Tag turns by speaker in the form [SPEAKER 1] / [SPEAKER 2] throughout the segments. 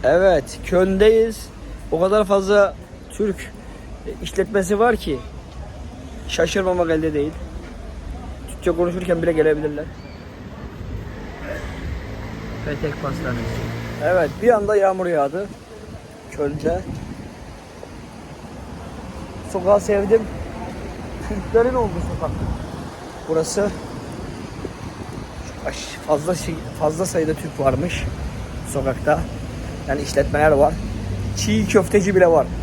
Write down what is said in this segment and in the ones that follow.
[SPEAKER 1] Evet, Köln'deyiz. O kadar fazla Türk işletmesi var ki şaşırmamak elde değil. Türkçe konuşurken bile gelebilirler.
[SPEAKER 2] Petek pastanesi.
[SPEAKER 1] Evet, bir anda yağmur yağdı Köln'de. Sokağı sevdim. Türklerin olduğu sokak. Burası fazla sayıda Türk varmış sokakta. Yani işletmeler var. Çiğ köfteci bile var.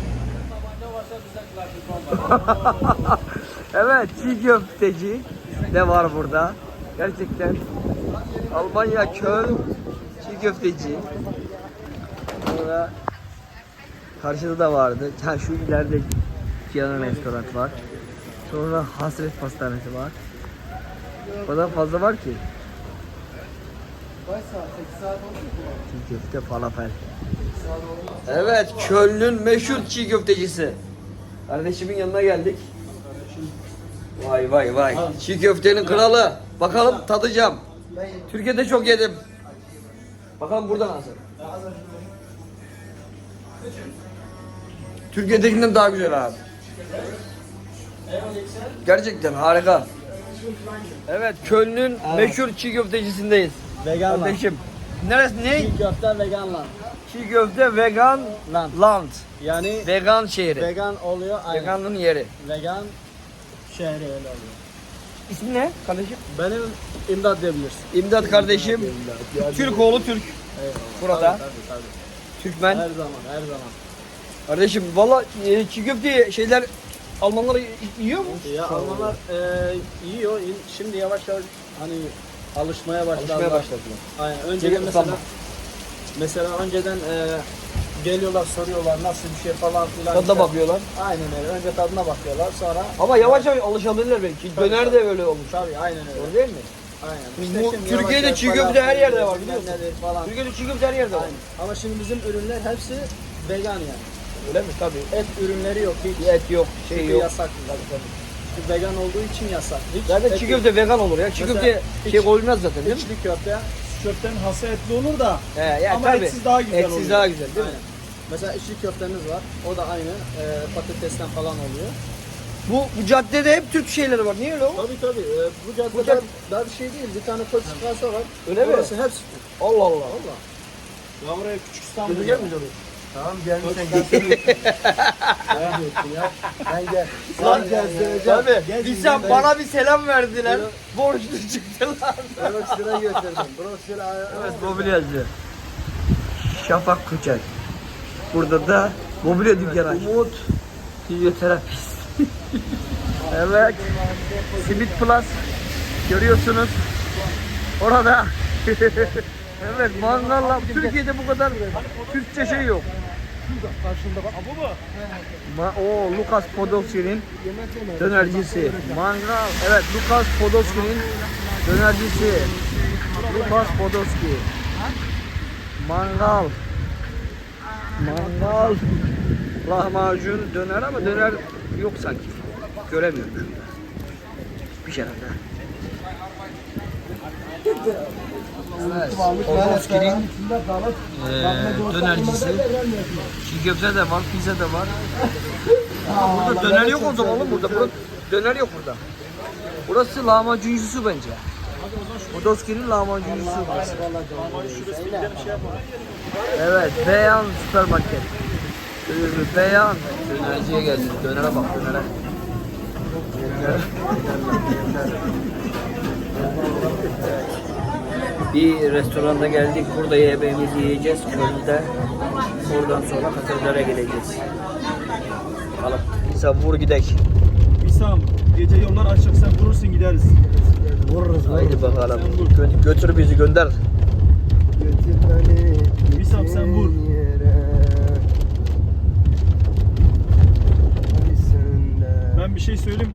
[SPEAKER 1] Evet, çiğ köfteci de var burada. Gerçekten Almanya Köln çiğ köfteci. Sonra karşıda da vardı. Ha, şu ileride Cihan'ın restoran var. Sonra Hasret Pastanesi var. O kadar fazla var ki. Çiğ köfte falafel. Evet, Köln'ün meşhur çiğ köftecisi. Kardeşimin yanına geldik. Vay vay vay. Çiğ köftenin kralı. Bakalım tadacağım. Türkiye'de çok yedim. Bakalım burada nasıl? Türkiye'dekinden daha güzel abi. Gerçekten harika. Evet, Köln'ün meşhur çiğ köftecisindeyiz.
[SPEAKER 2] Vegan
[SPEAKER 1] Kardeşim. Neresi ne?
[SPEAKER 2] Çiğ köfte vegan lan.
[SPEAKER 1] Çiğ köfte vegan land.
[SPEAKER 2] Yani
[SPEAKER 1] Vegan şehri.
[SPEAKER 2] vegan oluyor. Aynen.
[SPEAKER 1] Veganlığın yeri.
[SPEAKER 2] Vegan şehri öyle oluyor.
[SPEAKER 1] İsmi ne kardeşim?
[SPEAKER 2] Benim imdat diyebilirsin.
[SPEAKER 1] İmdat kardeşim. Türk oğlu Türk.
[SPEAKER 2] Eyvallah.
[SPEAKER 1] Burada.
[SPEAKER 2] Tabii.
[SPEAKER 1] Türkmen.
[SPEAKER 2] Her zaman.
[SPEAKER 1] Kardeşim valla çiğ köfte şeyler Almanlar yiyor mu?
[SPEAKER 2] Ya Almanlar yiyor. Şimdi yavaş yavaş hani alışmaya başladılar. Aynen. Önceden mesela önceden geliyorlar soruyorlar nasıl bir şey falan filan.
[SPEAKER 1] Tadına bakıyorlar.
[SPEAKER 2] Aynen öyle. Önce tadına bakıyorlar sonra.
[SPEAKER 1] Ama yavaş yavaş alışabilirler belki. Döner de öyle olmuş.
[SPEAKER 2] Tabii aynen öyle.
[SPEAKER 1] Doğru değil mi?
[SPEAKER 2] Aynen.
[SPEAKER 1] Bu
[SPEAKER 2] şimdi
[SPEAKER 1] Türkiye'de
[SPEAKER 2] yavaş
[SPEAKER 1] çiğ
[SPEAKER 2] yavaş
[SPEAKER 1] köfte her yerde var,
[SPEAKER 2] bilmem
[SPEAKER 1] biliyorsun.
[SPEAKER 2] nedir falan.
[SPEAKER 1] Türkiye'de çiğ köfte her yerde var.
[SPEAKER 2] Aynen. Ama şimdi bizim ürünler hepsi vegan yani.
[SPEAKER 1] Öyle mi? Tabii.
[SPEAKER 2] Et ürünleri yok hiç.
[SPEAKER 1] Et yok, şey
[SPEAKER 2] Çünkü
[SPEAKER 1] yok.
[SPEAKER 2] yasak. Tabii. Çünkü vegan olduğu için yasak. Hiç
[SPEAKER 1] Zaten
[SPEAKER 2] et
[SPEAKER 1] çiğ
[SPEAKER 2] yok.
[SPEAKER 1] köfte vegan olur ya. Çiğ
[SPEAKER 2] Mesela
[SPEAKER 1] köfte şey koyulmaz zaten değil mi?
[SPEAKER 2] İçli köfte.
[SPEAKER 3] Köftenin hası etli olur da
[SPEAKER 1] Ya,
[SPEAKER 3] ama
[SPEAKER 1] tabii.
[SPEAKER 3] etsiz daha güzel
[SPEAKER 1] Etsiz
[SPEAKER 3] oluyor.
[SPEAKER 1] daha güzel değil mi?
[SPEAKER 2] Aynen. Mesela içli köftemiz var. O da aynı. Patatesten falan oluyor.
[SPEAKER 1] Bu caddede hep Türk şeyleri var. Niye öyle o?
[SPEAKER 2] Tabii. Bu caddede daha bir şey değil. Bir tane koç çıkarsa var.
[SPEAKER 1] Öyle mi?
[SPEAKER 2] Orası hepsi Türk.
[SPEAKER 1] Allah Allah.
[SPEAKER 2] Valla.
[SPEAKER 3] Ya buraya küçük İstanbul.
[SPEAKER 1] Götürecek miyiz onu?
[SPEAKER 2] Tamam gelmişsen gel. Ben gel.
[SPEAKER 1] Lan
[SPEAKER 2] gezdireceğim.
[SPEAKER 1] Tabii.
[SPEAKER 3] Gel,
[SPEAKER 1] Bir sen
[SPEAKER 3] gel.
[SPEAKER 1] bana bir selam verdiler. Borçlu çıktılar.
[SPEAKER 2] Broşüre götürdüm. Broşüre
[SPEAKER 1] Evet, mobilyacı. Şafak Kucak. Burada da mobilya dükkanı. Umut fizyoterapist. Evet. Simit Plus görüyorsunuz. Orada. Evet, mangalla. Türkiye'de bu kadar Türkçe şey yok.
[SPEAKER 3] Bu mu?
[SPEAKER 1] O Lukas Podolski'nin dönercisi. Mangal. Evet, Lukas Podolski'nin dönercisi. Lukas Podolski. Mangal. Lahmacun döner ama döner yok sanki. Göremiyorum şurada. Bir şey herhalde. Evet, Podolski'nin dönercisi. Çiğ köfte de var, pizza da var. Burada döner yok o zaman oğlum burada. Döner yok burada. Burası lahmacuncusu bence. Podolski'nin lahmacuncusu burası. Evet, Beyan süpermarket. Beyan. Dönerciye geldik. Dönere bak, dönere. Bir restoranda geldik. Burada yemeğimizi yiyeceğiz. Köln'de. Oradan sonra Katedral'e geleceğiz. Bakalım. Sen vur gidek.
[SPEAKER 3] İsam gece yollar açık sen vurursun gideriz.
[SPEAKER 2] Vururuz.
[SPEAKER 1] Haydi bakalım. Götür bizi gönder.
[SPEAKER 3] İsam sen vur. Ben bir şey söyleyeyim.